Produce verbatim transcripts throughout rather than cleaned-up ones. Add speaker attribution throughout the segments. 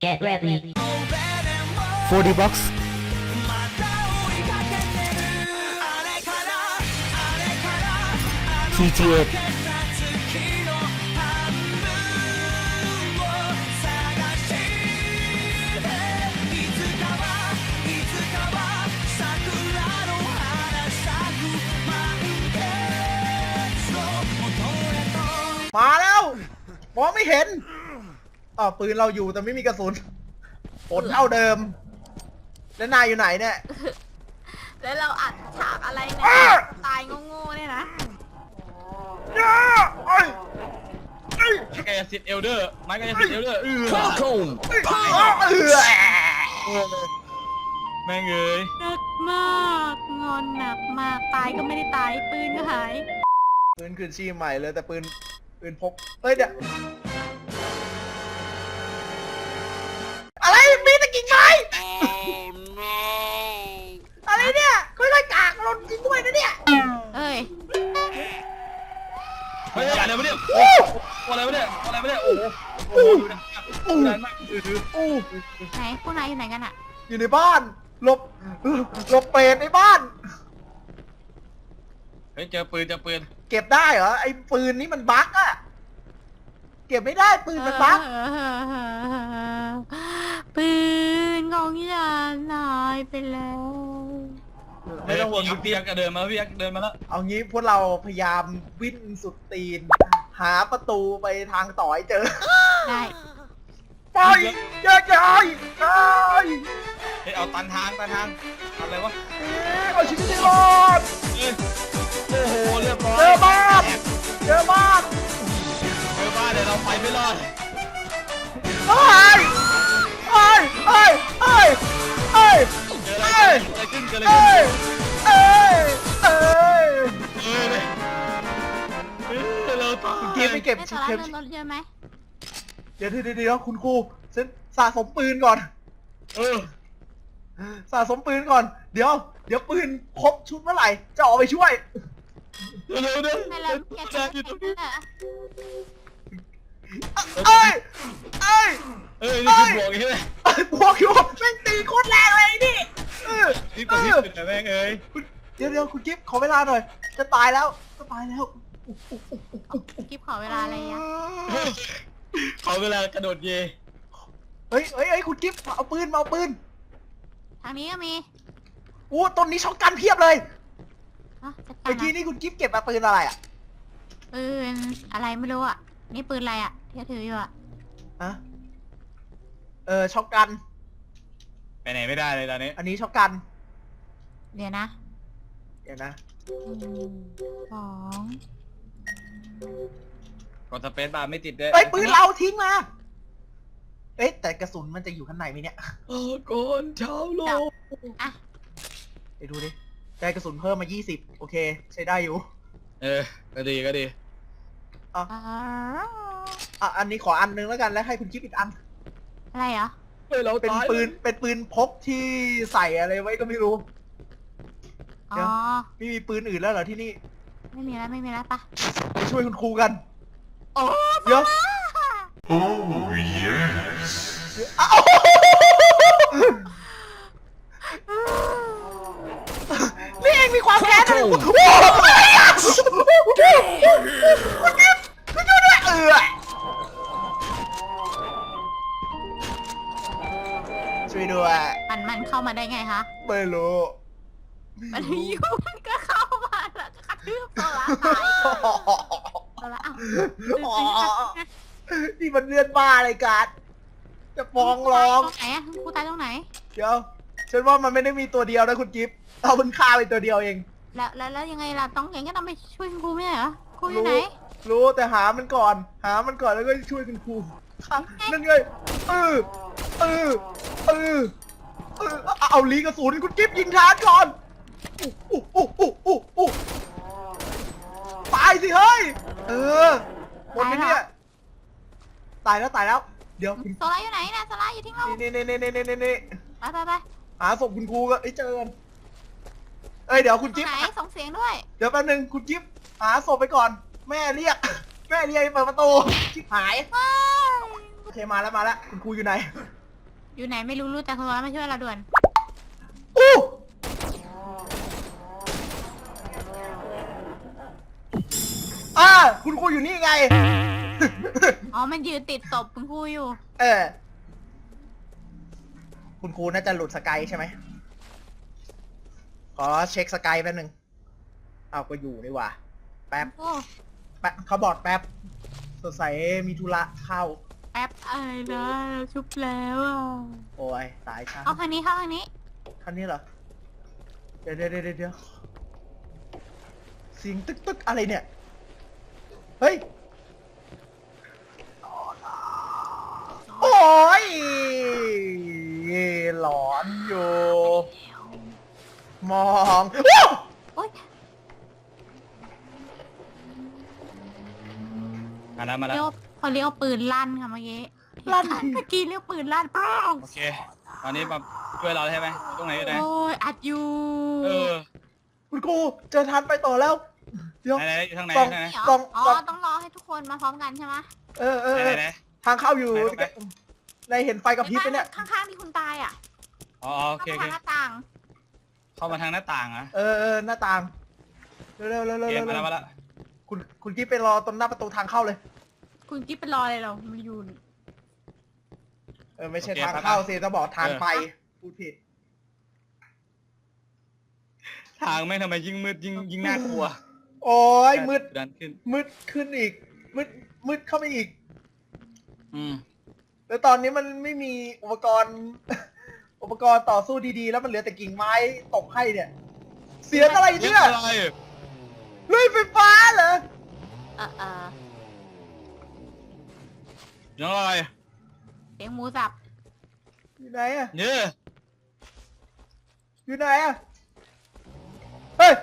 Speaker 1: Get ready.
Speaker 2: โฟร์ ดี Box ที จี เอ
Speaker 3: มาแล้วมองไม่เห็นอ๋อปืนเราอยู่แต่ไม่มีกระสุนผลเท่าเดิม แล้วนายอยู่ไหนเนี่ย
Speaker 4: แล้วเราอัดฉากอะไรเนี่ย
Speaker 3: อ้า
Speaker 4: ตายโง่ๆเนี่ยนะ
Speaker 3: ย่าเอ้ยเอ้ย
Speaker 5: ไม้กายสิทธิ์เอลเดอร์ไม้กายสิทธิ์เอลเดอร์เออ
Speaker 2: เข้าคง
Speaker 3: เอ้ยเออ
Speaker 5: แม่งเอ้ย
Speaker 4: หนักมากงอนหนักมากตายก็ไม่ได้ตายปืนก็หาย
Speaker 3: ปืนคืนชีพใหม่เลยแต่ปืนปืนพกเฮ้ยเดี๋ยวอะไรมีตะกิ่งไม้อะไรเนี่ยค่อยๆกากลนจริงด้วยนะเนี่ย
Speaker 4: เอ้ย
Speaker 5: เฮ้ยอะไรวะเนี่ยโอ้อะไรวะเนี่ยอะไรวะเนี่ยโอ้โหโอ้โหดูดังมากดูดังมากถือถือ
Speaker 3: อู้
Speaker 4: ไหนพวกนายอยู่ไหนกันอะ
Speaker 3: อยู่ในบ้านหลบหลบเปรตในบ้าน
Speaker 5: เฮ้ยเจอปืนเจอปืน
Speaker 3: เก็บได้เหรอไอ้ปืนนี้มันบั๊กอะเก็บไม่ได้ปืนมันบั๊ก
Speaker 4: ปืนของฉันหายไปแล้ว
Speaker 3: ไม่ต้องห่วง
Speaker 5: พี่ยักษ์เดินมาพี่ยักษ์เดินมาแล้ว
Speaker 3: เอางี้พวกเราพยายามวิ่งสุดตีน หาประตูไปทางต่อให้เจอ
Speaker 4: ได้
Speaker 3: ไปแยกย้ายไป
Speaker 5: เฮ้ยเอาตันทางตันทางอะไรวะ
Speaker 3: เอาชีวิตให้รอด
Speaker 5: เอ้ยโอ้โหเรียบร้อย
Speaker 3: เจอบ้านเจอบ้าน
Speaker 5: เจอบ้านเดี๋ยวเราไปไม่รอด
Speaker 3: เฮ้ยเฮ้ยเฮ้ยเฮ้ยเฮ้ย
Speaker 5: เจออะไรเกิดอะไรขึ้นเกิดอะไร
Speaker 3: เอ้
Speaker 5: ขึ้น
Speaker 3: ยเอ้ยเอ้ย
Speaker 5: เออเลยเออเราตาย
Speaker 3: เกมไปเก็บ
Speaker 4: ได้
Speaker 3: ชิ
Speaker 4: สา
Speaker 3: ป
Speaker 4: ระ
Speaker 3: เข็ม
Speaker 4: เดินรถเยอะไหม
Speaker 3: เดี๋ยวเดี๋ยวเดี๋ยวคุณครูฉันสะสมปืนก่อน
Speaker 5: เออ
Speaker 3: สะสมปืนก่อน เดี๋ยว เดี๋ยวปืนครบชุดเมื่อไหร่ จะออกไปช่วย
Speaker 5: เร็วเร็วเร็ว
Speaker 4: ไม่แล้วแกจะ
Speaker 5: อยู่ตรง
Speaker 4: ไป
Speaker 5: นี้
Speaker 4: ไหนอะ
Speaker 3: เอ้ย เอ้ย
Speaker 5: เอ้ยนี่คือบวกใช่ไหม
Speaker 3: เอ้ยบวกอยู่แม่งตีโคตรแรงเลยนี่เออ
Speaker 5: นี่ตัวที่สุดแต่แม่งเอ้ย
Speaker 3: เดี๋ยวเดี๋ยวคุณกิฟต์ขอเวลาหน่อย จะตายแล้ว จะตายแล้ว
Speaker 4: กิ๊บขอเวลาอะไรอะ
Speaker 5: ขอเวลากระโดดเย
Speaker 3: เฮ้ยเฮ้ยเฮ้ยคุณกิฟต์เอาปืนมาเอาปืน
Speaker 4: ทางนี้ก็มี
Speaker 3: อู้ต้นนี้ช็อตกันเพียบเลย
Speaker 4: อ่ะจัดกา
Speaker 3: เมื่
Speaker 4: ร
Speaker 3: อกี้
Speaker 4: นะ
Speaker 3: นี่คุณกิฟต์เก็บมาปืนอะไรอ่ะ
Speaker 4: ปืนอะไรไม่รู้อะนี่ปืนอะไรอะที่ถืออยู่อะ
Speaker 3: ฮะ เออช็อตกัน
Speaker 5: ไปไหนไม่ได้เลยตอนนี้
Speaker 3: อันนี้ช็อตกัน
Speaker 4: เดี๋ยวนะ
Speaker 3: เดี๋ยวนะ
Speaker 4: หนึ่งสอง
Speaker 5: กดสเปซบาร์ไม่ติดด้วย
Speaker 3: เฮ้ยปืนเราทิ้งมา เอ๊ะแต่กระสุนมันจะอยู่ข้างในไหมเนี่ย
Speaker 5: โอ้ก่อนชาวโลก
Speaker 4: อ่ะ
Speaker 3: ไปดูดิ ได้กระสุนเพิ่มมายี่สิบโอเค ใช้ได้อยู่
Speaker 5: เออก็ดีก็ดี
Speaker 3: อ่ะ
Speaker 4: อ่า
Speaker 3: อ่ะอันนี้ขออันนึงแล้วกันแล้วให้คุณคิดอีกอัน
Speaker 4: อะไรเหรอ
Speaker 5: เฮ้ยเรา
Speaker 3: เป็น
Speaker 5: ตาย
Speaker 3: ปืน เป็นปืนพกที่ใส่อะไรไว้ก็ไม่รู้
Speaker 4: อ๋
Speaker 3: เดี๋
Speaker 4: อ
Speaker 3: ยว ไม่มีปืนอื่นแล้วเหรอที่นี่
Speaker 4: ไม่มีแล้วไม่มีแล้วปะ
Speaker 3: ไปช่วยคุณครูกันเดี๋ยว
Speaker 6: Oh, yes.
Speaker 3: อ้าวนี่เองมีความแค้นอะไรโอ้โหอะไรอ่ะคุณกิฟต์คุณกิฟต์คุณช่วยด้วยเออช่วยด้วย
Speaker 4: มันมันเข้ามาได้ไงคะ
Speaker 3: ไม่รู้
Speaker 4: มันอยู่มันก็เข้ามาแล้วก็กระทืบโซล่าตายโซล่าอ้าว
Speaker 3: อ๋อนี่มันเลือดบ้าอะไรกันจะฟ้องร้อง
Speaker 4: ตรงไหนอะกูตายตรงไหน
Speaker 3: เดี๋ยวฉันว่ามันไม่ได้มีตัวเดียวนะคุณกิฟต์เอามันฆ่าไปตัวเดียวเอง
Speaker 4: แล้วแล้วแล้วยังไงล่ะต้องอย่างก็ต้องไปช่วยคุณครูไม่ใช่เหรอครูอยู่ไหน
Speaker 3: รู้แต่หามันก่อน หามันก่อนแล้วก็ช่วยคุณครูนั่นไงเออเออเออเออเอาเอาลีกระสุนคุณกิฟต์ยิงทานก่อนอู้อู้อู้อู้อู้ตายสิเฮ้ยเออหมดไหมเนี่ยตายแล้วตายแล้ว เดี๋ยวคุณ
Speaker 4: โซล่าอยู่ไหนนะโซล่าอยู่ที่เรา
Speaker 3: นี่นี่นี่นี่นี่นี่นี่
Speaker 4: ไปไปไป
Speaker 3: หาศพคุณครูก็เอ้ยเจอกันเอ้ยเดี๋ยวคุณ
Speaker 4: ตร
Speaker 3: จิ๊
Speaker 4: ง
Speaker 3: บ
Speaker 4: ไหนส่งเสียงด้วย
Speaker 3: เดี๋ยวแป๊บนึงคุณจิ๊บหาศพไปก่อน แม่เรียก แม่เรียกให้เปิดประตูชิบหาย
Speaker 4: ว้าย
Speaker 3: โอเคมาแล้วมาแล้วคุณครูอยู่ไหน
Speaker 4: อยู่ไหนไม่รู้รู้แต่คนร้ายมาช่วยเราด่วน
Speaker 3: อู้อ่าคุณครูอยู่นี่ไง
Speaker 4: อ๋อมันยืนติดศพคุณครูอยู่
Speaker 3: เออ คุณครูน่าจะหลุดสกายใช่ไหม ขอเช็คสกายแป๊บนึงเอาก็อยู่นี่หว่า แป๊บ
Speaker 4: โอ้
Speaker 3: แป๊บเขาบอกแป๊บ สดใสยมีธุระเข้า
Speaker 4: แป๊บอะไรนะเราชุบแล้วอ่ะ
Speaker 3: โอ้ยตายช้า
Speaker 4: เอาคันนี้เข้าคันนี้
Speaker 3: คันนี้เหรอ เดี๋ยวเดี๋ยวเดี๋ยวเดี๋ยวเสียงตึกตึกอะไรเนี่ย เฮ้ย โอ้ยหลอนอยู่ มองว้าว
Speaker 4: โอ๊ย
Speaker 5: มาแล้วมาแล้ว
Speaker 4: เรียกเขาเรียกว่าปืนลั่นค่ะเมื่อกี้
Speaker 3: ลั่น
Speaker 4: เมื่อกี้เรียกปืนลั่นป้อง
Speaker 5: โอเคตอนนี้มาช่วยเราใช่ไหมตรงไหนอยู่ไหน
Speaker 4: โอ้ยอัดอยู่
Speaker 5: เออ
Speaker 3: คุณครูเจอทันไปต่อแล้ว เดี๋ยว
Speaker 5: ไหนไหนอยู่ทางไหน
Speaker 3: กล่อง
Speaker 5: ทางไหน
Speaker 4: เหรอก
Speaker 3: ล่อง
Speaker 4: อ๋อก
Speaker 3: ล่อง
Speaker 4: ต้องรอให้ทุกคนมาพร้อมกันใช่ไหม
Speaker 3: เออเออ
Speaker 5: ไหน
Speaker 3: เออ
Speaker 5: ไหน
Speaker 3: ทางเข้าอยู่
Speaker 5: ไหนตรงไหน
Speaker 3: ในเห็นไฟกับพริบไหมเนี่ย
Speaker 4: ข้างๆที่คุณตายอ่ะ
Speaker 5: อ๋อโอเคโอเค
Speaker 4: ข้างๆหน้าต่าง
Speaker 5: เข้ามาทางหน้าต่างเหรอ่ะ
Speaker 3: เออเออหน้าต่าง เร็วเร็วเร็ว
Speaker 5: โอ
Speaker 3: เร็ว
Speaker 5: เค
Speaker 3: เร็ว
Speaker 5: มาแล้วมาแล้ว
Speaker 3: คุณคุณกิ๊บไปรอตรงหน้าประตูทางเข้าเลย
Speaker 4: คุณกิ๊บเป็นรอเลยเหรามันอยู่
Speaker 3: เออไม่ใช่ทางเข้าสิต้องบอกทางไปพูดผิด
Speaker 5: ทางแม่งทำไมยิ่งมืดยิ่งยิ่งน่ากลัว
Speaker 3: โอ้ยมืด
Speaker 5: ดันขึ้น
Speaker 3: มืดขึ้นอีก มืดมืดเข้าไปอีก
Speaker 5: อืม
Speaker 3: แล้วตอนนี้มันไม่มีอุปกรณ์ อุปกรณ์ต่อสู้ดีๆ แล้วมันเหลือแต่กิ่งไม้ตกให้เนี่ย เสียงอะไร
Speaker 5: เรีย
Speaker 3: เนี่ย
Speaker 5: กอะไร
Speaker 3: ลุยไฟฟ้าเหรอ
Speaker 4: เออเออ
Speaker 5: เรียกอะไร
Speaker 4: เสียงหมูสับ
Speaker 3: อยู่ไหนอะ
Speaker 5: เนี่ย
Speaker 3: อยู่ไหนอะเฮ้ย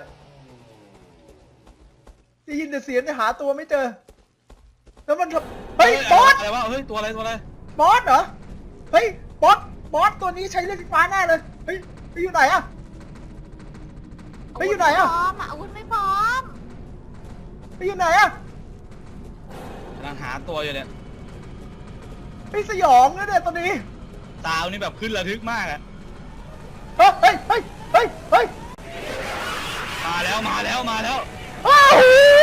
Speaker 3: ได้ยินแต่เสียงแต่หาตัวไม่เจอ แล้วมันทำเฮ้ยบอส
Speaker 5: อะไรวะเฮ้ยตัวอะไรตัวอะไร
Speaker 3: บอสเหรอ เฮ้ยบอส บอสตัวนี้ใช้เลือดไฟฟ้าแน่เลย เฮ้ยไปอยู่ไหนอะไปอยู่ไหนอะ
Speaker 4: พร้อมอ่ะอาวุธไม่พร้อม
Speaker 3: ไปอยู่ไหนอะ
Speaker 5: กำลังหาตัวอยู่เนี่ย
Speaker 3: ไปสยองนะเนี่ยตัวนี้
Speaker 5: ตาวนี่แบบขึ้นระทึกมากอะ
Speaker 3: เฮ้ย เฮ้ย เฮ้ย เฮ้ย เฮ้ย
Speaker 5: มาแล้วมาแล้วมาแล้ว
Speaker 3: อ้าว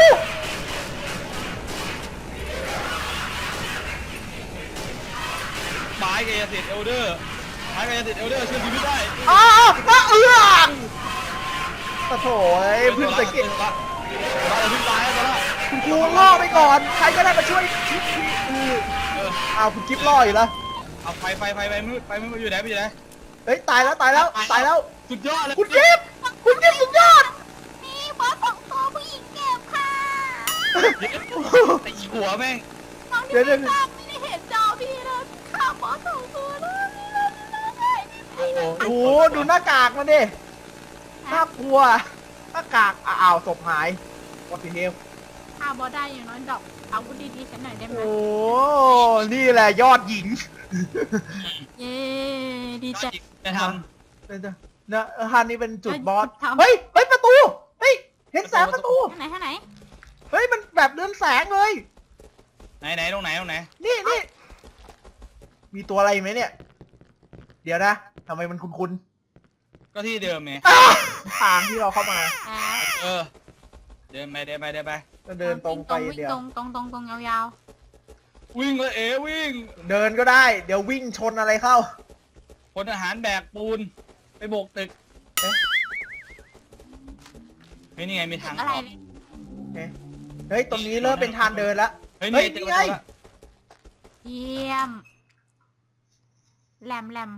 Speaker 5: ไม้กายสิทธิ์เอลเดอร์ไม้กายสิทธิ์เอลเดอร์ช่วยชีวิตได้
Speaker 3: อ้าวอ้าวเอือกตะโถยเพึ่งสังเกต
Speaker 5: ตัวละตัวละพึ่งตายแล้วตัวละ
Speaker 3: คุณครูล่อไปก่อน ใครก็ได้มาช่วยชิปพี่อือ
Speaker 5: เออ
Speaker 3: อ้าวคุณกิ๊บล่ออยู่แล้ว
Speaker 5: เอาไฟไฟไฟไฟมืดไฟมืดมาอยู่ไหนไปอยู่ไหน
Speaker 3: เฮ้ย ตายแล้ว ตายแล้ว ตายแล้ว
Speaker 5: สุดยอดเลย
Speaker 3: คุณกิ๊บคุณกิ๊บสุดยอด
Speaker 4: นี่บอสสองตัวผู้หญิงเก็บค่ะ
Speaker 5: ตีหัวแม่ง
Speaker 4: น้อง
Speaker 3: เดี๋
Speaker 4: ที่
Speaker 3: ยว
Speaker 4: ไม่
Speaker 3: เดี๋ยว
Speaker 4: ทราบไม่ได้เห็นจอพี่เลยข้าวบอสสองตัวเลยนี่เลยนี่เลย
Speaker 5: โอ้โห
Speaker 3: โอ้โหดูหน้ากากมันดิน่ากลัว หน้ากาก อ้าวศพหายวัตถุเฮล
Speaker 4: ข้าวบอสได้อย่างน้อยดอกอาวุธดีๆฉันหน่อยได้ไหม
Speaker 3: โอ้ นี่แหละยอดหญิง
Speaker 4: เย้ดีใจ
Speaker 5: จะท
Speaker 3: เดี๋ยวๆนะฮันนี่เป็นจุดบอส
Speaker 4: ทำ
Speaker 3: เฮ้ย เฮ้ย ประตู เฮ้ย เห็นแสงประตู
Speaker 4: ท่างไหนท่างไหน
Speaker 3: เฮ้ย มันแบบเรืองแสงเลย
Speaker 5: ำไหนไหนตรงไหนตรงไหน
Speaker 3: นี่นี่มีตัวอะไรไหมเนี่ย เดี๋ยวนะทำไมมันคุ้น
Speaker 5: ก็ที่เดิมไง
Speaker 3: ๆอ้าวทางที่เราเข้ามา
Speaker 4: อ่า
Speaker 5: เออเดินไปเดินไปเดินไป
Speaker 3: ก็เดินตรงไป
Speaker 4: วิ่
Speaker 3: เดี๋ยว
Speaker 4: ตรงตรงตรงตรงยาว
Speaker 5: วิ่งเลยเอ๋วิ่ง
Speaker 3: เดินก็ได้ เดี๋ยววิ่งชนอะไรเข้า
Speaker 5: พลทหารแบกปูนไปโบกตึก
Speaker 3: เอ๊ะ
Speaker 5: เฮ้ยนี่ไงมีทาง
Speaker 4: ๆอะไร
Speaker 5: ออก
Speaker 4: เลย
Speaker 3: เฮ้ย ตรงนี้เริ่มเป็นทางเดินแล้ว
Speaker 5: เฮ้ย
Speaker 3: เฮ้
Speaker 5: นี่
Speaker 3: ย
Speaker 5: เจอ
Speaker 3: นี่ไง
Speaker 5: ตัวละ
Speaker 4: เยี่ยมแหลมแหลม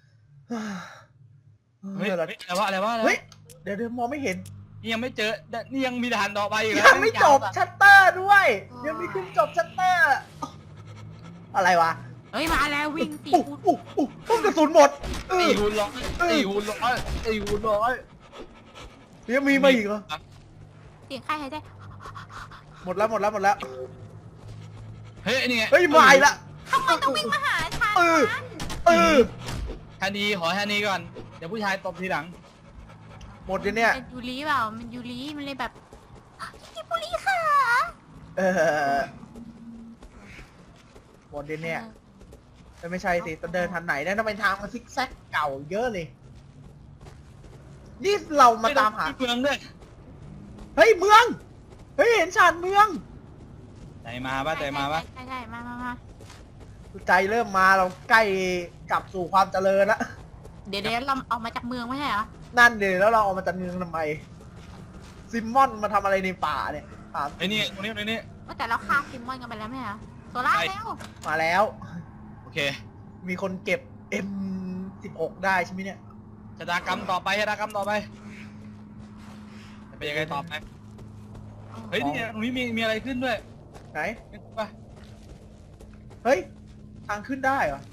Speaker 5: เฮ้ย
Speaker 3: เฮ้ย
Speaker 5: เฮ้ยอะไรวะอะไรวะอะไรวะ
Speaker 3: เฮ้ย เดี๋ยวเดี๋ยวมองไม่เห็น
Speaker 5: นี่ยังไม่เจอนี่ยังมีด่านต่อไปอีก
Speaker 3: ยังไม่จบชัตเตอร์ด้วย ยังไม่ขึ้นจบชัตเตอร์ อะไรวะ
Speaker 4: เฮ้ยมาแล้ววิ่งตี
Speaker 3: อู้
Speaker 4: กู
Speaker 3: อู้อู้อู้กระสุนหมดเอ
Speaker 5: ตี
Speaker 3: อ
Speaker 5: หุ่นร้อยตีหุ่นร้อยตีหุ่นร้อย
Speaker 3: ยังมีมาอีกเหรอ
Speaker 4: เสียงใครหายใจ
Speaker 3: หมดแล้วหมดแล้วหมดแล้ว
Speaker 5: เฮ้ยนี่ไง
Speaker 3: เฮ้ยมาอีกละ
Speaker 4: ทำไมต้องวิ่งมาหาฉัน
Speaker 3: เออ เออ
Speaker 5: ทันทีขอทันทีก่อนเดี๋ยวผู้ชายตบทีหลัง
Speaker 3: หมดเลยเนี่ย
Speaker 4: เป็นยูริเปล่ามันยูริมันเลยแบบกิบุริค่ะ
Speaker 3: เออหมดเลยเนี่ยแต่ไม่ใช่สิจะเดินทางไหนเนี่ยทำไมทางมันซิกแซกเก่าเยอะเลย นี่เรามาตามหา
Speaker 5: เมืองด้วย
Speaker 3: เฮ้ยเมือง เฮ้ยเห็นชานเมือง
Speaker 5: ใจมาป่ะใจมาป่ะ
Speaker 4: ใช่ใช่มามามา
Speaker 3: ใจเริ่มมาเราใกล้กลับสู่ความเจริญละ
Speaker 4: เดี๋ยวเดี๋ยวเราออกมาจากเมืองไม่ใช่เหรอ
Speaker 3: นั่นเดี๋ยวแล้วเราเอามาจากเมืองทำไม ซิมมอนมาทำอะไรในป่าเนี่ยถาม
Speaker 5: ไอ้นี่ตรงนี้ตรงนี้
Speaker 4: ว่าแต่เราฆ่าซิมมอนกันไปแล้วไม่ใช่เหรอโซล่าเร็ว
Speaker 3: มาแล้ว
Speaker 5: โอเค
Speaker 3: มีคนเก็บ เอ็ม สิบหก ได้ใช่ไหมเนี่ย
Speaker 5: ชะตากรรมต่อไปชะตากรรมต่อไปจะเป็นยังไงต่อไปเฮ้ยนี่ตรงนี้มีมีอะไรขึ้นด้วย
Speaker 3: ไหน
Speaker 5: เห็นป่ะ
Speaker 3: เฮ้ย ทางขึ้นได้เหรอ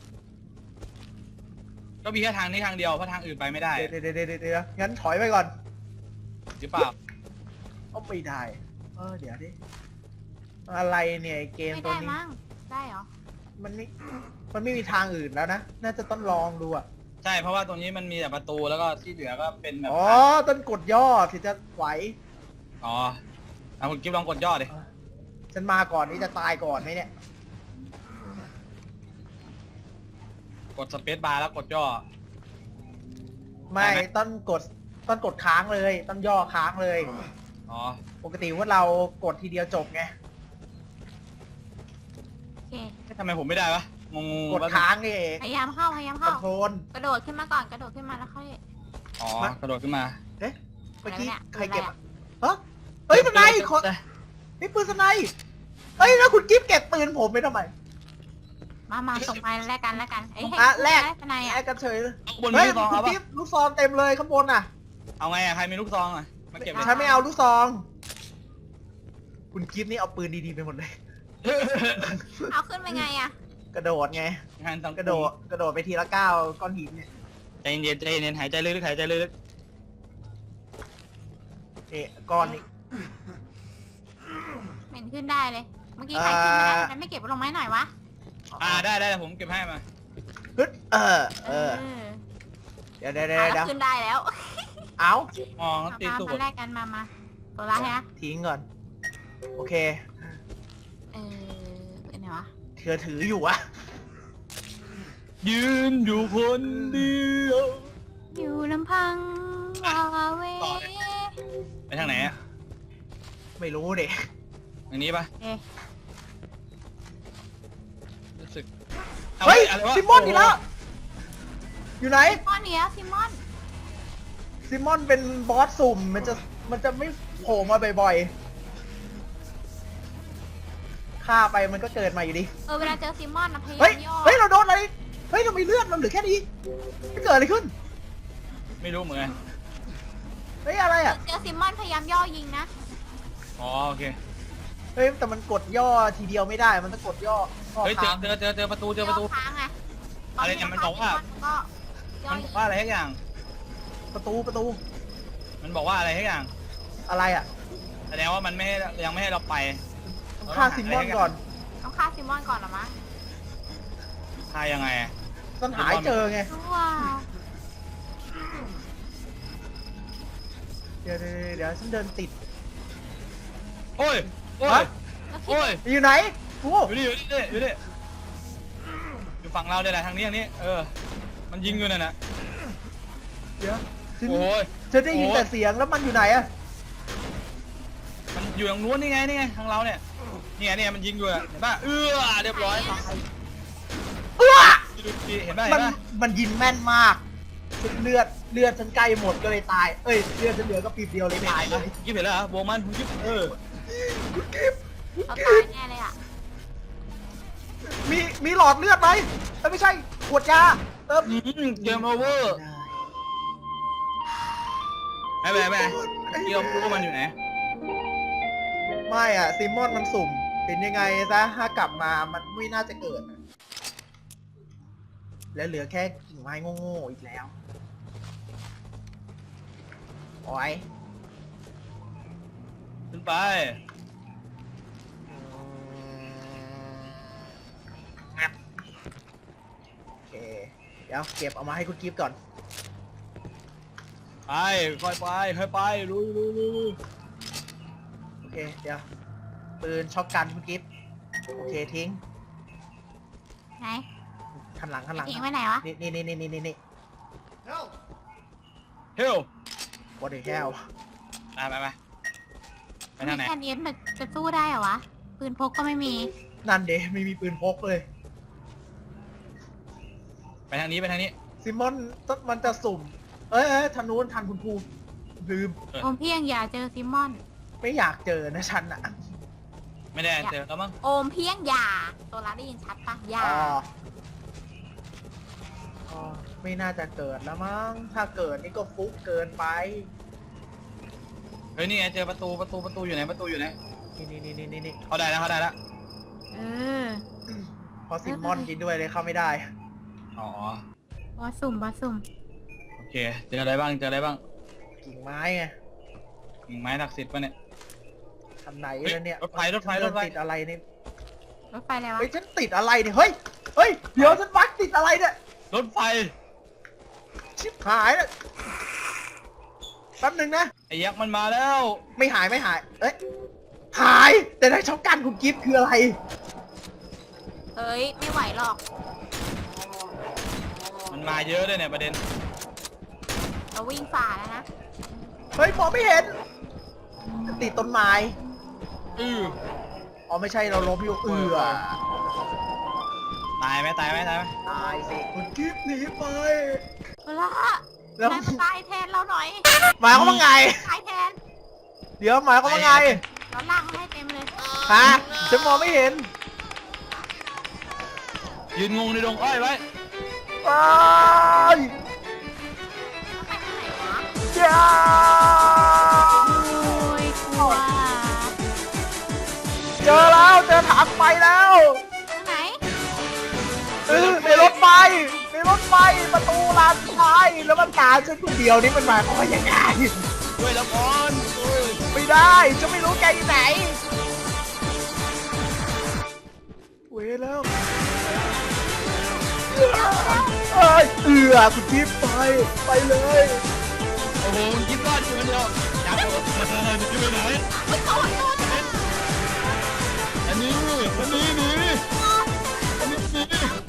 Speaker 5: ก็มีแค่ทางนี้ทางเดียวเพราะทางอื่นไปไม่ได้
Speaker 3: เดี๋ยวเดี๋ยวเดี๋ยวเดี๋ยวงั้นถอยไปก่อน
Speaker 5: หรือเปล่า
Speaker 3: เอาไม่ได้ เออเดี๋ยวดิ อะไรเนี่ยไอ้เกม
Speaker 4: ไม่
Speaker 3: ตัว
Speaker 4: ได้
Speaker 3: นี้
Speaker 4: มั้งได้เหรอ
Speaker 3: มันไม่ มันไม่มีทางอื่นแล้วนะ น่าจะต้องลองดูอ่ะ
Speaker 5: ใช่เพราะว่าตรงนี้มันมีแต่ประตูแล้วก็ที่เหลือก็เป็นแบบ
Speaker 3: อ๋อ ต้นกดย่อถึงจะไหว
Speaker 5: อ๋อเอาคุณกิ๊บลองกดยอดดิ
Speaker 3: ฉันมาก่อนนี่จะตายก่อนไหมเนี่ย
Speaker 5: กดสเปซบาร์แล้วกดย่อ
Speaker 3: ไม่
Speaker 5: ได้ไหม
Speaker 3: ต้นกด ต้นกดค้างเลย ต้นย่อค้างเลย
Speaker 5: อ๋อ
Speaker 3: ปกติว่าเรากดทีเดียวจบไง
Speaker 4: โอเค
Speaker 5: เอ๊ะทำไมผมไม่ได้วะงง
Speaker 3: กดค้างนี่เอง
Speaker 4: พยายามเข้าพยายาม
Speaker 3: คอ
Speaker 4: เข้าน
Speaker 3: โทรล
Speaker 4: กระโดดขึ้นมาก่อนกระโดดขึ้นมาแล้วค่อย
Speaker 5: อ๋อกระโดดขึ้นมา
Speaker 3: เอ๊ะ เมื่อกี้
Speaker 4: อะไรเนี่ย
Speaker 3: ใครเก็บ
Speaker 4: อะไร
Speaker 3: อะ
Speaker 4: อะ
Speaker 3: ฮะเฮ้ยสไนขอนี่ปืนสไนเฮ้ยแล้วคุณกิ๊ฟเก็บปืนผมไปทำไม
Speaker 4: มามาส่งมาแลกกันแลกกันเอ้ยให้
Speaker 3: อ่ะแลก
Speaker 4: ได้ทนายอ่ะ
Speaker 3: แอบกันเฉยเลย
Speaker 5: เอาบน
Speaker 3: เฮ้ย
Speaker 5: ลูกซอง
Speaker 3: คุ
Speaker 5: เอา
Speaker 3: ณ
Speaker 5: ปะ
Speaker 3: กิ๊ฟลูกซองเต็มเลยข้างบนน่ะ
Speaker 5: เอาไงอะใครมีลูกซองอะมาเก็บเลย
Speaker 3: ฉันไม่เอาลูกซอง คุณกิ๊ฟนี่เอาปืนดีๆไปหมดเลย
Speaker 4: เอาขึ้นไปไงอ่ะ
Speaker 3: กระโดดไง
Speaker 5: งานต้อง
Speaker 3: กระโดด กระโดดไปทีละก้าวก้อนหินเนี่ย
Speaker 5: ใจเย็นใจเย็นหายใจลึกๆหายใจลึก
Speaker 3: เอ๊ะก้อนนี้
Speaker 4: เหม็นขึ้นได้เลย เมื่อกี้ใครขึ้นไม่ได้
Speaker 3: อ่า
Speaker 4: มันไม่เก็บลงไม้หน่อยวะ
Speaker 5: ๆอ่าได้ได้เดี๋ยวผมเก็บให้มา
Speaker 3: ฮึดเออ เออ เดี๋ยวเดี๋ยวเดี๋ยว
Speaker 4: เอา
Speaker 3: เดี๋ยว
Speaker 4: ขึ้นได้แล้ว
Speaker 3: เอา
Speaker 5: มอง
Speaker 4: มา
Speaker 5: ตี
Speaker 4: มา
Speaker 5: สู
Speaker 4: มา
Speaker 5: ตร
Speaker 4: แลกกันมามาตัวละฮะ
Speaker 3: ทิ้งก่อน โอเค
Speaker 4: เออเป็นไงวะ
Speaker 3: เธอถืออยู่อะ
Speaker 5: ยืนอยู่คนเดียว
Speaker 4: อยู่ลำพังวาเว
Speaker 5: ต่อเลย ไปทางไหนอะ
Speaker 3: ไม่รู้เด็
Speaker 5: ทางนี้ปะ
Speaker 4: เอ๊ะ
Speaker 5: รู้สึก
Speaker 3: เฮ้ย
Speaker 5: อะไรวะ
Speaker 3: ซิมมอนอีกแล้ว อยู่ไหน
Speaker 4: ซิมอนเนี่ยซิมอน
Speaker 3: ซิมมอนเป็นบอสสุ่ม มันจะ มันจะไม่โผล่มาบ่อยๆ ฆ่าไปมันก็เกิดมาอยู่ดี
Speaker 4: เออเวลาเจอซิมอนนะพยา
Speaker 3: เฮ้ย
Speaker 4: ยามย่อ
Speaker 3: เฮ้ย เราโดนอะไร เฮ้ย เรามีเลือดเราเหลือแค่นี้ไม่เกิดอะไรขึ้น
Speaker 5: ไม่รู้เหมือนกัน
Speaker 3: เฮ้ย อะไรอ่ะ
Speaker 4: เจอซิมอนพยายามย่อยิงนะ
Speaker 5: อ๋อโอเค
Speaker 3: เฮ้ย แต่มันกดย่อทีเดียวไม่ได้ มันต้องกดย่อข้อ
Speaker 5: เฮ้ยเจอ
Speaker 3: ค้าง
Speaker 5: เจอเจอเจอประตูเจอประตู
Speaker 4: ย่ค้างไง
Speaker 5: อะไรเนี่ยมันบอกว่า
Speaker 4: ก็ย่อ
Speaker 5: มัน
Speaker 4: ยิ
Speaker 5: บ
Speaker 4: ง
Speaker 5: อกว่าอะไรทุกอย่าง
Speaker 3: ประตูประตู
Speaker 5: มันบอกว่าอะไรทุกอย่าง
Speaker 3: อะไรอ่ะ
Speaker 5: แสดงว่ามันไม่ให้ยังไม่ให้เราไป
Speaker 3: ต้องฆ่าซิมมอนก่อน
Speaker 4: ต้องฆ่าซิมอนก่อนเหรอมะ
Speaker 5: ฆ่ายังไงอะ
Speaker 3: ต้องหายเจอไง
Speaker 4: ว้าว
Speaker 3: เดี๋ยวเดี๋ยวเดี๋ยวฉันเดินติด
Speaker 5: โอ้ยโอ้ย
Speaker 3: ฮะ
Speaker 4: แล้วคิด
Speaker 5: โอ้ย
Speaker 3: อยู่ไหนโอ้
Speaker 5: อยู่นี่อยู่นี่อยู่นี่อยู่ฝั่งเราเนี่ยแหละทางนี้ทางนี้เออมันยิงอยู่นั่นน่ะ
Speaker 3: เดี๋ยวฉัน
Speaker 5: โอ้ย
Speaker 3: ฉันได้ยิน
Speaker 5: โอ้
Speaker 3: แต่เสียงแล้วมันอยู่ไหนอะ
Speaker 5: มันอยู่ทางนู้นนี่ไงนี่ไงทางเราเนี่ยนี่ไงนี่ไงมันยิงอยู่อะเห็นป่ะเออเรียบร้อย
Speaker 3: เอื้อ
Speaker 5: ดูดีเห็นป่ะ
Speaker 3: มั
Speaker 5: เห็
Speaker 3: น
Speaker 5: นป่ะ
Speaker 3: มันยิงแม่นมากเลือดเลือดฉันใกล้หมดก็เลยตาย เอ้ยเลือดฉันเหลือก็ปีบเดียวเลยตายเลย
Speaker 5: กิ๊บเห็นแล้วเหรอโบมันคุณกิ๊บเออ
Speaker 3: คุณกิฟ
Speaker 4: เขาตายแน่เลยอ่ะ
Speaker 3: มีมีหลอดเลือดไหมเอ้ยไม่ใช่ขวดยาเติม
Speaker 5: อืมเกมโอเวอร์ไม่เป็นไรไม่เป็นไรเกี่ยวรู้ว่ามันอยู่ไหน
Speaker 3: ไม่อ่ะซิมมอนมันสุ่มเป็นยังไงซะถ้ากลับมามันไม่น่าจะเกิดอะแล้วเหลือแค่กิ่งไม้โง่ๆอีกแล้วโอ้ย
Speaker 5: ขึ้นไป
Speaker 3: โอเค เดี๋ยวเก็บเอามาให้คุณกิฟต์ก่อน
Speaker 5: ไปค่อยไปค่อยไปลุยลุยลุยลุย
Speaker 3: โอเค เดี๋ยว ปืนช็อตกันคุณกิฟต์โอเคทิ้ง
Speaker 4: ไหน
Speaker 3: คันหลังคันหลัง
Speaker 4: ทิ้งไว้ไหนวะ
Speaker 3: นี่นี่นี่นี่นี่นี่
Speaker 5: เฮล
Speaker 3: what the hell
Speaker 5: ไปไปไปไปทางไหน
Speaker 4: แค่นี้มันจะสู้ได้เหรอวะปืนพกก็ไม่มี
Speaker 3: นั่นเดไม่มีปืนพกเลย
Speaker 5: ไปทางนี้ไปทางนี้
Speaker 3: ซิมอนมันจะสุ่ม เอ้ยเอ้ยทางนู้นทันคุณครูลืม
Speaker 4: โอมเพียงอย่าเจอซิมมอน
Speaker 3: ไม่อยากเจอนะฉันอะ
Speaker 5: ไม่ได้เจอแล้วมั้ง
Speaker 4: โอมเพียงอย่าตัวละได้ยินชัดปะอย่า
Speaker 3: อ๋ออ๋อไม่น่าจะเกิดแล้วมั้ง ถ้าเกิดนี่ก็ฟุกเกินไป
Speaker 5: เฮ้ยนี่ไงเจอประตูประตูประตูอยู่ไหนประตูอยู่ไหน
Speaker 3: นี่นี่นี่นี่นี่
Speaker 5: เขาได้แล้วเขาได้แล้ว
Speaker 4: เออ
Speaker 3: เพราะซิมมอนกินด้วยเลยเข้าไม่ได้
Speaker 5: อ๋อบ
Speaker 4: อสสุ่มบอสสุ่ม
Speaker 5: โอเคเจออะไรบ้างเจออะไรบ้าง
Speaker 3: กิ่งไม้ไง
Speaker 5: กิ่งไม้ศักดิ์สิทธิ์ปะเนี่ย
Speaker 3: ทำไหน
Speaker 5: เฮ้ย
Speaker 3: แล้วเนี่ย
Speaker 5: รถไฟรถไฟรถไฟ
Speaker 3: ติดอะไรเนี่ย
Speaker 4: รถไฟอะไรวะ
Speaker 3: เฮ้ยฉันติดอะไรเนี่ย เฮ้ย เฮ้ย เดี๋ยวฉันวัดติดอะไรเนี่ย
Speaker 5: รถไฟ
Speaker 3: ชิบหายแล้วแป๊บหนึงนะ
Speaker 5: ไอ้ยักษ์มันมาแล้ว
Speaker 3: ไม่หายไม่หาย เอ้ย หาย แต่ในช็อตกันคุณกิฟต์คืออะไร
Speaker 4: เอ้ยไม่ไหวหรอก
Speaker 5: มันมาเยอะด้วยเนี่ยประเด็น
Speaker 4: เราวิ่งฝ่าแล้วนะ
Speaker 3: เฮ้ยมองไม่เห็น ติดต้นไม้
Speaker 5: อือ
Speaker 3: อ๋อไม่ใช่เราล้มอยู่เอือ
Speaker 5: ตายไหมตายไหมตายไหม
Speaker 3: ตายสิคุณกิฟต์หนีไป
Speaker 4: เอาละ
Speaker 3: แล้ว
Speaker 4: นายมาตายแทนเราหน่อย
Speaker 3: หมายความว่าไง
Speaker 4: ตายแทน
Speaker 3: เดี๋ยวหมายความว่าไง
Speaker 4: เราล่างให้เต็มเลย
Speaker 3: ฮะฉันมองไม่เห็น
Speaker 5: ยืนงงในดงอ้อยไว้
Speaker 3: ไป
Speaker 4: ไปทางไหนวะ
Speaker 3: จ้า
Speaker 4: โอ้ยกลัว
Speaker 3: เจอแล้วเจอถังไฟแล้ว
Speaker 4: ทางไหน
Speaker 3: เออในรถไฟในรถไฟประตูลานซ้ายแล้วมันตามฉันคนเดียวนี่มันหมายความว่ายังไง
Speaker 5: ด้วยละครโอ้ย
Speaker 3: ไม่ได้จะไม่รู้แกอยู่ไหนเว้ยแล้วเอ้ยเอือคุณทิพย์ไปไปเลย
Speaker 5: โอ้โหมันคิดรอดอยู่คนเดียวยักษ์มันจะอยู่ไหน
Speaker 4: ไม่โดนโดน
Speaker 5: อันนี้อันนี้หนีอันนี้หนี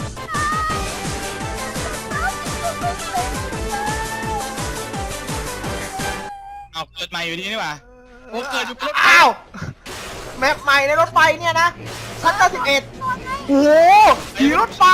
Speaker 5: เอาเกิดใหม่อยู่ดีนี่หว่าโอ้เกิดอยู่บนรถไฟ
Speaker 3: อ้าวแมปใหม่ในรถไฟเนี่ยนะชั้นเก้าสิบเอ็ดโอ้โหขี่รถไฟ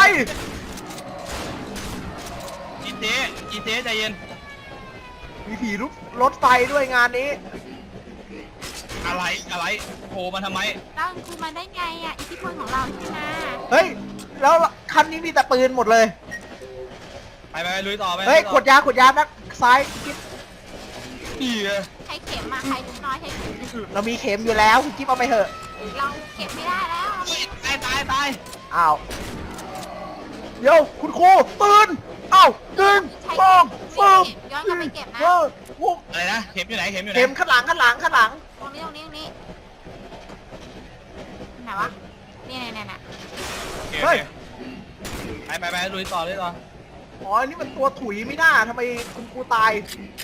Speaker 5: อีเจ๊อีเจ๊ใจเย็น
Speaker 3: มีผีรถรถไฟด้วยงานนี้
Speaker 5: อะไรอะไรโผล่มาทำไม
Speaker 4: เราคือมาได้ไงอ่ะอิทธิพลของเราใช่ไหม
Speaker 3: เฮ้ยแล้วคันนี้มีแต่ปืนหมดเลย
Speaker 5: ไปไปไปลุยต่อไป
Speaker 3: เฮ้ย
Speaker 5: ลุ
Speaker 3: ข
Speaker 5: ต่
Speaker 3: วดยาขวดยานักซ้ายกิ๊บ
Speaker 5: นี่ไง
Speaker 4: ใช้เข็มมาใครลูกน้อยใช้เข็ม
Speaker 3: เรามีเข็มอยู่แล้วคุณกิ๊บเอาไปเถอะ
Speaker 4: เราเก็บไม่ได้แล้ว
Speaker 5: เฮ้ยตายตายตาย
Speaker 3: อ้าวเดี๋ยวคุณครูปืนอ้าวหนึ่งสองสาม
Speaker 4: ย้อนกลับไปเก็บนะ
Speaker 3: เออโอ้
Speaker 5: อะไรนะเข็มอยู่ไหนเข็มอยู่ไหน
Speaker 3: เข็มข้างหลังข้างหลังข้างหลัง
Speaker 4: ตรงนี้ตรงนี้ตรงนี้ไหนวะนี่นี่นี่นี่
Speaker 5: โอเคโอเคไปไปไปลุยต่อลุยต่อ
Speaker 3: อ๋ออันนี่มันตัวถุยไม่น่าทำไมคุณครูตาย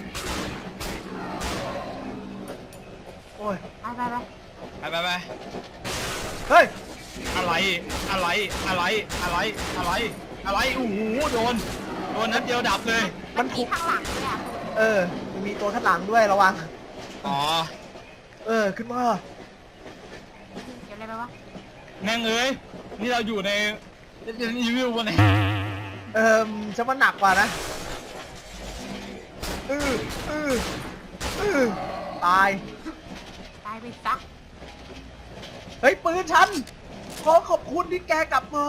Speaker 3: โอ้ย
Speaker 4: ไปไปไป
Speaker 5: ไปไปไป
Speaker 3: เฮ้ย
Speaker 5: อะไรอะไรอะไรอะไรอะไรอะไรโอ้โหโดนโดนนัดเดียวดับเลย
Speaker 3: มัน
Speaker 4: มี
Speaker 3: ถูก
Speaker 4: ข้างหลังด้วยอ่ะ
Speaker 3: เออมีตัวข้างหลังด้วยระวัง
Speaker 5: อ๋อ
Speaker 3: เออขึ้นมา
Speaker 4: เก็บอะไรไปวะ
Speaker 5: แม่งเอ้ยนี่เราอยู่ในเรนอีวิววันไหน
Speaker 3: เออจะมาหนักกว่านะเออเออเออตาย
Speaker 4: ตายไปซะ
Speaker 3: เฮ้ยปืนฉันขอขอบคุณที่แกกลับมา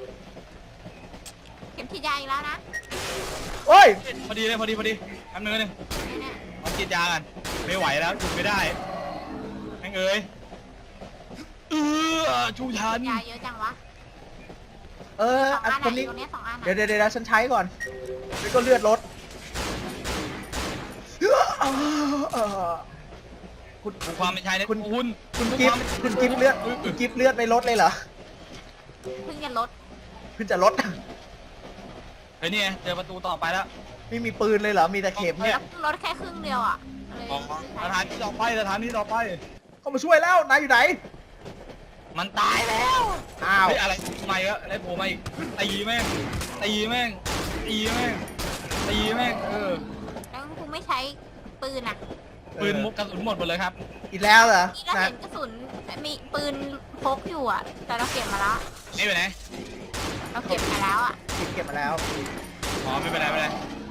Speaker 4: เข็มฉีดยาอีกแล้วนะ
Speaker 3: โอ้ย
Speaker 5: พอดีเลยพอดีพอดีแป๊บนึงนึง
Speaker 4: นี่เนี่ย
Speaker 5: มากินยากันไม่ไหวแล้วจุดไม่ได้แม่งเอ้ยเออชูชัน
Speaker 4: ยาเยอะจังวะ
Speaker 3: เออ
Speaker 4: สอง
Speaker 3: อัน
Speaker 4: อัน
Speaker 3: คน
Speaker 4: ไหน
Speaker 3: นี้
Speaker 4: ตรงนี้สองอัน
Speaker 3: เดี๋ยวเดี๋ยวเดี๋ยวฉันใช้ก่อนแล้วก็เลือดลดเออคุณ
Speaker 5: ดูความเป็นชายใน
Speaker 3: คุณ
Speaker 5: คุณ
Speaker 3: คุณกิฟต์คุณกิฟต์เลือดคุณกิฟต์เลือดไม่ลดเลยเหรอ
Speaker 4: เพิ่งจะลด
Speaker 3: เพิ่งจะลด
Speaker 5: เฮ้ยนี่ไงเจอประตูต่อไปแล้ว
Speaker 3: ไม่มีปืนเลยเหรอมีแต่เข็มเนี่ย
Speaker 4: ลดแค่ครึ่งเดียวอ่ะเลย
Speaker 5: อ๋อสถานที่ต่อไปสถานที่ต่อไป
Speaker 3: เข้ามาช่วยแล้วนายอยู่ไหน
Speaker 5: มันตายแล้ว
Speaker 3: อ้าว
Speaker 5: เฮ้ยอะไรใหม่อะอะไรโผล่มาอีกตีแม่งตีแม่งตีแม่งตีแม่งเออ
Speaker 4: แล้วกูไม่ใช้ปืนอ่ะ
Speaker 5: ปืนมุกกระสุนหมดหมดเลยครับ
Speaker 3: อีกแล้วเหรอ
Speaker 4: นี่เรา
Speaker 3: นะ
Speaker 4: เห็นกระสุนมีปืนพกอยู่อ่ะ แต่เราเก็บมาแล้ว
Speaker 5: นี่ไปไหน
Speaker 4: เราเก็บมาแล้วอ่ะ
Speaker 3: เก็บเก็บมาแล้ว
Speaker 5: อ๋อไม่เป็นไรไม่เป็นไร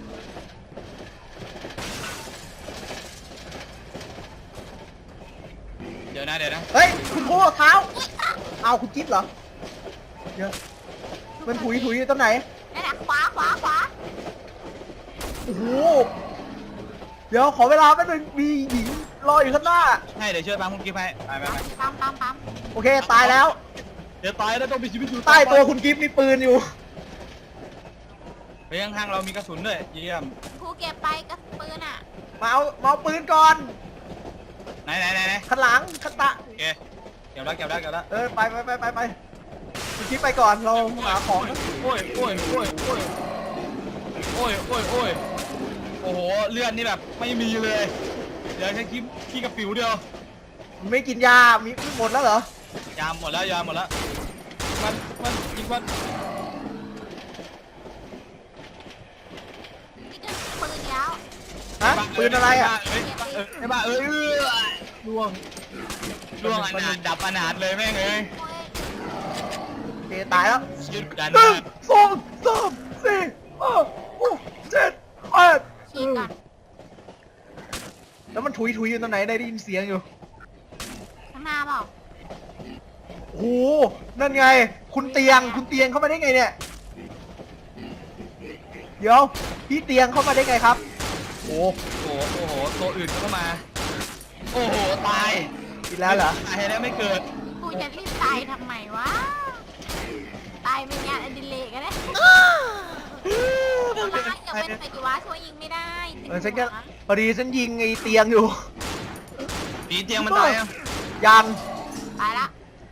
Speaker 5: เดี๋ยวนะเดี๋ยวนะ
Speaker 3: เฮ้ยคุณโคเท้าเอาคุณจิ๊บเหรอเดี๋ยวมันถุยถุยอยู่ตรงไหน
Speaker 4: นั่นแหละขวาขวาขวา
Speaker 3: โอ้โหเดี๋ยวขอเวลาแป๊บนึงมีหญิงรออยู่ข้างหน้า
Speaker 5: ให้เดี๋ยวช่วยปั๊มคุณกิ๊ฟให้ไปไปไป
Speaker 4: ปั๊มปั๊มปั๊ม
Speaker 3: โอเคตายแล้ว
Speaker 5: เดี๋ยวตายแล้วต้องมีชีวิตอยู่
Speaker 3: ใต้ตัวคุณกิฟต์มีปืนอยู่
Speaker 5: ไปข้างๆเรามีกระสุนด้วยเยี่ยม
Speaker 4: ครูเก็บไปกระปืนอ่ะ
Speaker 3: มาเอามาเอาปืนก่อน
Speaker 5: ไหนไหนไหนไหน
Speaker 3: ข้างหลังข้างตะ
Speaker 5: โอเคเก็บแล้วเก็บแล้วเก็บแล้ว
Speaker 3: เออไปไปไปไปไปคุณกิฟต์ไปก่อนเราหาของ
Speaker 5: โอ้ยโอ้ยโอ้ยโอ้ยโอ้ยโอ้ยโอ้ยโอ้โหเลือดนี่แบบไม่มีเลยเดี๋ยวแค่ขี้ขี้กระปิวเดียว
Speaker 3: ไม่กินยามีหมดแล้วเหรอย
Speaker 5: าหมดแล้วยาหมดแล้วมันมันยิงมัน
Speaker 4: นี่ก็ปืนยาว
Speaker 3: ฮะปืนอะไรอ่ะ
Speaker 5: เอ้ยไอ้บ้าเอ้ยล่วงล่วงอนาถดับอนาถเลยแม่งเอ้ย
Speaker 4: โอ้ย
Speaker 3: โอเคตายแล้ว
Speaker 5: หยุดกัน
Speaker 3: หนึ่งสองสามสี่ห้าหกเจ็ดแปด
Speaker 4: ฉีดก่อน
Speaker 3: แล้วมันถุยถุยอยู่ตรงไหนได้ยินเสียงอยู่
Speaker 4: ข้างหน้าเปล่า
Speaker 3: โอ้โหนั่นไง คุณเตียงคุณเตียงเข้ามาได้ไงเนี่ยเดี๋ยวพี่เตียงเข้ามาได้ไงครับโอ้
Speaker 5: โอ้โหโอ้โหตัวอื่นเข้ามาโอ้โหตาย
Speaker 3: อีกแล้วเหรอ
Speaker 5: ตายแล้วไม่เกิด
Speaker 4: กูจะรีบตายทำไมวะ ตายเป็นงานอดิเรกอะเนี่ยร้ายอย่าเป็นไงดีวะช่วยยิงไม่ได้ติด
Speaker 3: เออฉัน
Speaker 4: หั
Speaker 3: ก็
Speaker 4: ว
Speaker 3: พอดีฉันยิงไอ้เตียงอยู่
Speaker 5: ปีเตียงมันตายอ่ะ
Speaker 3: ยัง
Speaker 4: ตายละ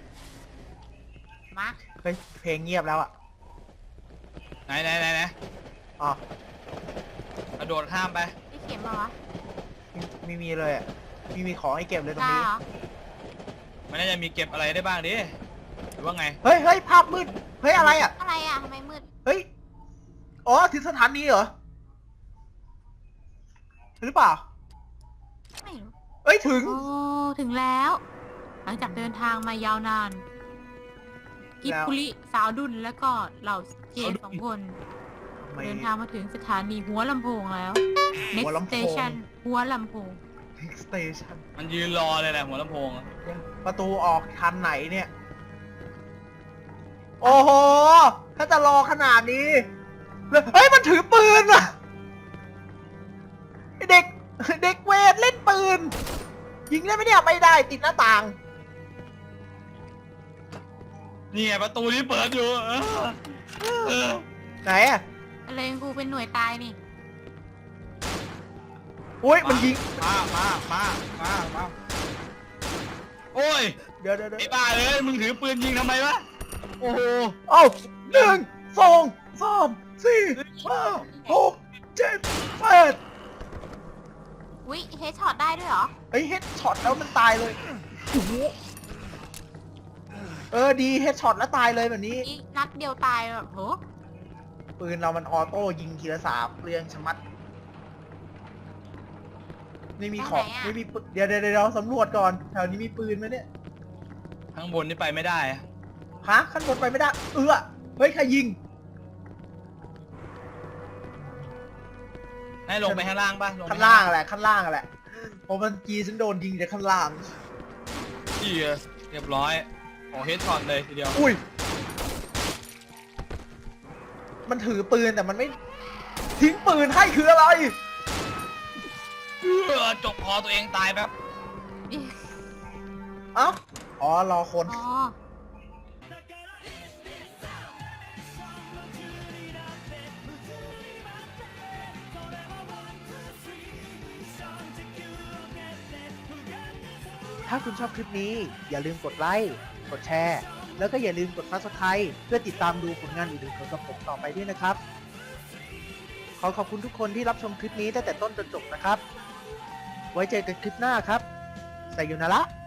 Speaker 4: มา
Speaker 3: เฮ้ยเพลงเงียบแล้วอ่ะ
Speaker 5: ไหนไหนไหนไหน
Speaker 3: อ๋อก
Speaker 5: ระโดดข้ามไป
Speaker 4: พี่เข็มมาวะ
Speaker 3: ไม่ไม่มีเลยอ่ะไม่มีของให้เก็บเลยตรง
Speaker 4: ได้
Speaker 3: นี้
Speaker 4: เหรอ
Speaker 5: มันน่าจะมีเก็บอะไรได้บ้างดิหรือว่าไง
Speaker 3: เฮ้ยเฮ้ยภาพมืดเฮ้ยอะไรอ่ะ
Speaker 4: อะไรอ่ะทำไมมืด
Speaker 3: เฮ้ยอ๋อถึงสถานีเหรอหรือเปล่า
Speaker 4: ไม่รู้
Speaker 3: เอ้ยถึง
Speaker 4: โอ้ ถึงแล้ว หลังจากเดินทางมายาวนาน กิบ
Speaker 3: แล้ว
Speaker 4: คุริสาวดุนแล้วก็เหล่าเจนสองคน
Speaker 3: ไม่
Speaker 4: เดินทางมาถึงสถานีหัวลำโพงแล้ว
Speaker 3: หั
Speaker 4: next
Speaker 3: วลำโพง
Speaker 4: station หัวลำโพง
Speaker 3: next station
Speaker 5: มันยืนรอเลยแหละหัวลำโพงอะ
Speaker 3: ประตูออกทันไหนเนี่ย โอ้โห ถ้าจะรอขนาดนี้แล้วเฮ้ย มันถือปืนอะไอ้เด็ก เด็กเวทเล่นปืน ยิงได้ไหมเนี่ยไม่ได้ติดหน้าต่าง
Speaker 5: นี่ไงประตูนี้เปิดอยู่เออเออ
Speaker 3: ไหนอะ
Speaker 4: อะไรกูเป็นหน่วยตายนี่
Speaker 3: อุ้ยมันยิง
Speaker 5: มามามามามาโอ้ย
Speaker 3: เดี๋ยวเดี๋ยวเดี๋ยว
Speaker 5: ไอ้บ้าเอ้ยมึงถือปืนยิงทำไมวะโอ้โห
Speaker 3: เอ้าหนึ่งสองสามสี่ห้าหกเจ็ดแปด
Speaker 4: วิเฮดช็อตได้ด้วยเหรอ
Speaker 3: เฮ้ยเฮดช็อตแล้วมันตายเลยโอ้โหเออดีเฮดช็อตแล้วตายเลยแบบนี้
Speaker 4: อีกนัดเดียวตายแบบโห
Speaker 3: ปืนเรามันออโต้ยิงทีละสามเรียงชะมัด ไม่มีของไม่มีปืนเดี๋ยวเดี๋ยวเดี๋ยวสำรวจก่อนแถวนี้มีปืนไหมเนี่ย
Speaker 5: ข้างบนนี่ไปไม่ได้อะ
Speaker 3: ฮะขั้นบนไปไม่ได้ เออเฮ้ยใครยิง
Speaker 5: ให้ลงไปข้างล่างป่ะลงไป
Speaker 3: ข้างล่างแหละข้างล่างแหละเพราะมันจีฉันโดนยิงจากข้างล่าง
Speaker 5: เหี้ยเรียบร้อยโอ้เฮดช็อตเลยทีเดียว
Speaker 3: อุ้ย มันถือปืนแต่มันไม่ ทิ้งปืนให้คืออะไร
Speaker 5: เออจกคอตัวเองตายแป๊บ
Speaker 3: เอ้าอ๋อรอคน
Speaker 4: อ๋อ
Speaker 3: ถ้าคุณชอบคลิปนี้อย่าลืมกดไลค์ กดแชร์ แล้วก็อย่าลืมกด ซับสไครบ์ เพื่อติดตามดูผลงานอื่นๆของกับผมต่อไปด้วยนะครับ ขอขอบคุณทุกคนที่รับชมคลิปนี้ตั้งแต่ต้นจนจบนะครับ ไว้เจอกันคลิปหน้าครับไซโยนาระ